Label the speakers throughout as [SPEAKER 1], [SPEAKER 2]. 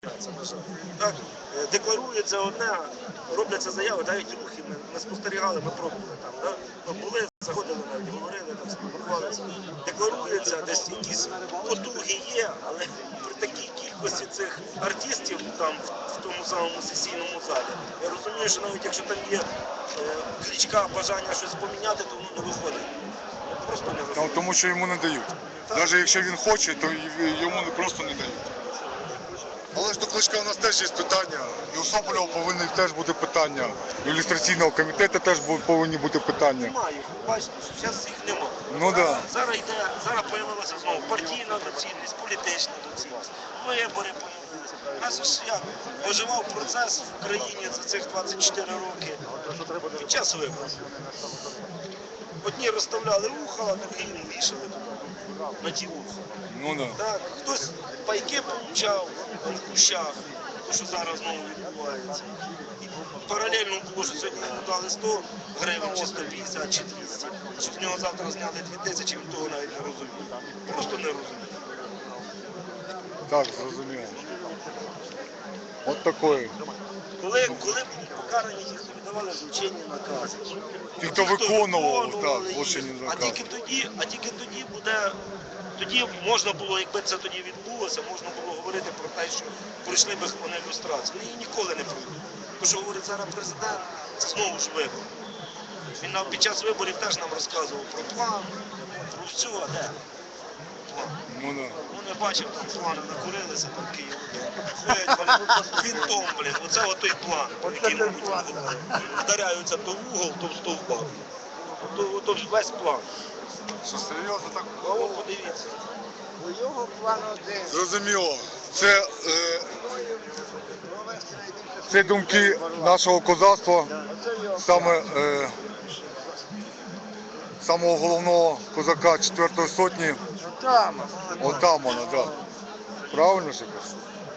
[SPEAKER 1] Так, декларується одне, робляться заяви, навіть рухи ми спостерігали, ми пробували там. Да? Ми були, заходили навіть, говорили, там, спілкувалися. Декларується, десь якісь потуги є, але при такій кількості цих артистів там в тому самому сесійному залі, я розумію, що навіть якщо там є кличка, бажання щось поміняти, то воно не виходить. Просто не виходить.
[SPEAKER 2] Тому що йому не дають. Навіть якщо він хоче, то йому просто не дають. Але ж до Кличка у нас теж є питання, і у Соболєва повинні теж бути питання, і у ілюстраційного комітету теж повинні бути питання.
[SPEAKER 1] Немає, бачите, зараз їх немає.
[SPEAKER 2] Ну да.
[SPEAKER 1] Зараз появилася знову партійна доцільність, політична доцільність, вибори появилися. У нас ж як виживав процес в країні за цих 24 роки під час виборів. Одні розставляли вуха, а другі не вішали на ті вуха.
[SPEAKER 2] Ну да.
[SPEAKER 1] Так, хтось пайки получав в кущах, то що зараз знову відбувається. І паралельно було, що сьогодні йому дали 100 гривень, чи 150, чи 200, що з нього завтра зняли 2000, він того навіть не розуміє. Просто не розуміє.
[SPEAKER 2] Так, зрозуміло. От такої.
[SPEAKER 1] Коли були покарані ті, хто віддавали злочинні накази,
[SPEAKER 2] Ті, хто виконував, так,
[SPEAKER 1] їх,
[SPEAKER 2] злочинні
[SPEAKER 1] а
[SPEAKER 2] накази.
[SPEAKER 1] тільки тоді буде, тоді можна було, якби це тоді відбулося, можна було говорити про те, що пройшли би вони люстрацію. Вони її ніколи не пройдуть. Тому що говорить зараз президент, це знову ж вибори. Він нам під час виборів теж нам розказував про план, про все, а де? План.
[SPEAKER 2] Ну да.
[SPEAKER 1] Ну не бачив, там плани накурилися, там Київ. Ходять вони вінтом, блін, оце отой план, який вдаряються то в угол, то в стовбак. То весь план.
[SPEAKER 2] Що серйозно так?
[SPEAKER 1] А от подивіться.
[SPEAKER 3] У його план один.
[SPEAKER 2] Зрозуміло. Це думки нашого козацтва, саме самого головного козака 4-ї сотні, отамана, так. Правильно ж я кажу?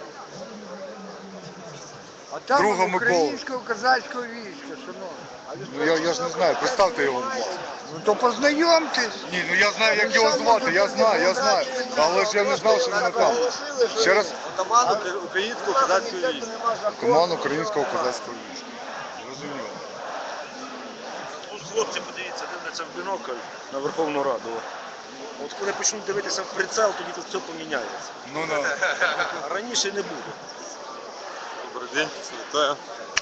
[SPEAKER 2] Друга Микола.
[SPEAKER 3] Українського козацького війська, шановні.
[SPEAKER 2] Ну я ж не знаю, представте його, будь ласка.
[SPEAKER 3] Ну то познайомтесь.
[SPEAKER 2] Ні, ну я знаю, як його звати, я знаю. Але ж я не знав, що він там. Ще раз.
[SPEAKER 4] Атаман українського козацького війська.
[SPEAKER 2] Команд українського козацького війська. Зрозуміло.
[SPEAKER 1] Тут хлопці, подивіться, дивляться в бінокль на Верховну Раду. От коли почнуть дивитися в прицел, тоді тут все поміняється.
[SPEAKER 2] Ну да.
[SPEAKER 1] А раніше не буде.
[SPEAKER 4] Добрий день, вітаю.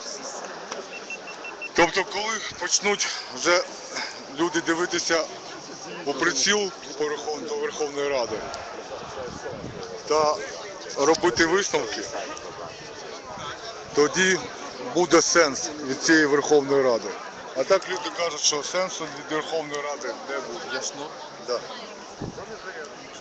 [SPEAKER 2] Тобто, коли почнуть вже люди дивитися у приціл до Верховної Ради та робити висновки, тоді буде сенс від цієї Верховної Ради. А так люди кажуть, що сенсу від Верховної Ради не буде.
[SPEAKER 4] Ясно.
[SPEAKER 2] Да.